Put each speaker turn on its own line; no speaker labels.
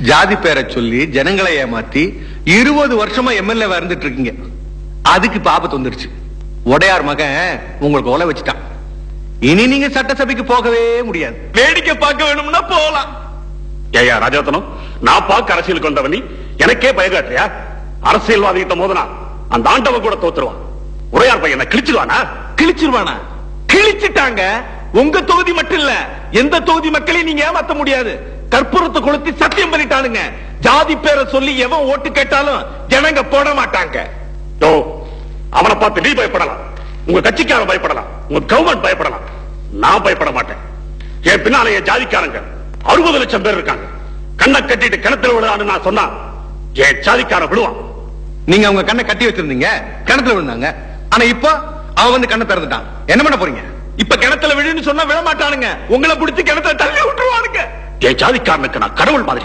ஜாதி பேரை சொல்லி ஜனங்களை ஏமாத்தி 20 வருஷமா எம்எல்ஏ இருந்துட்டு இருக்கீங்க. அதுக்கு ஆபத்து வந்துருச்சு. உடையார் மகன் உங்களுக்கு ஒலை வச்சுட்டான். இனி நீங்க சட்டசபைக்கு போகவே முடியாது.
வேடிக்கை பார்க்க வேணும்னா போகலாம்.
ஏயா ராஜாத்தனம், நான் பார்க்க அரசியலுக்கு வந்தவனி எனக்கே பயகாட்டியா? அரசியல்வாதிகிட்ட மோதனா அந்த ஆண்டவன் கூட தோத்துருவான். உடையார் பையனை கிழிச்சிருவானா?
கிழிச்சிட்டாங்க. உங்க தொகுதி மட்டும் இல்ல, எந்த தொகுதி மக்களையும் நீங்க ஏமாத்த முடியாது. கற்பூரத்தை கொளுத்தி சத்தியம் பண்ணிட்டானுங்க. ஜாதி பேரை சொல்லி எவன் ஓட்டு கேட்டாலும் ஜனங்க போட மாட்டாங்க.
அவனை பார்த்து நீ பயப்படலாம், உங்க கட்சிக்காரன் பயப்படலாம், உங்க கவர்மெண்ட் பயப்படலாம். நான் பயப்பட மாட்டேன். என் பின்னால என் ஜாதிக்காரங்க 60 லட்சம் பேர் இருக்காங்க. கண்ணை கட்டிட்டு கிணத்துல விழுதான்னு நான் சொன்னா என் ஜாதிக்காரன் விழுவான்.
நீங்க அவங்க கண்ணை கட்டி வச்சிருந்தீங்க, கிணத்துல விழுந்தாங்க. ஆனா இப்ப அவன் வந்து கண்ணை திறந்துட்டான். என்ன பண்ண போறீங்க?
இப்ப கிணத்துல விழுன்னு சொன்னா விழ மாட்டானுங்க. உங்களை பிடிச்சி கிணத்துல தள்ளி விட்டுருவானுங்க.
என் ஜாதிக்காரனுக்கு நான் கடவுள் மாதிரி.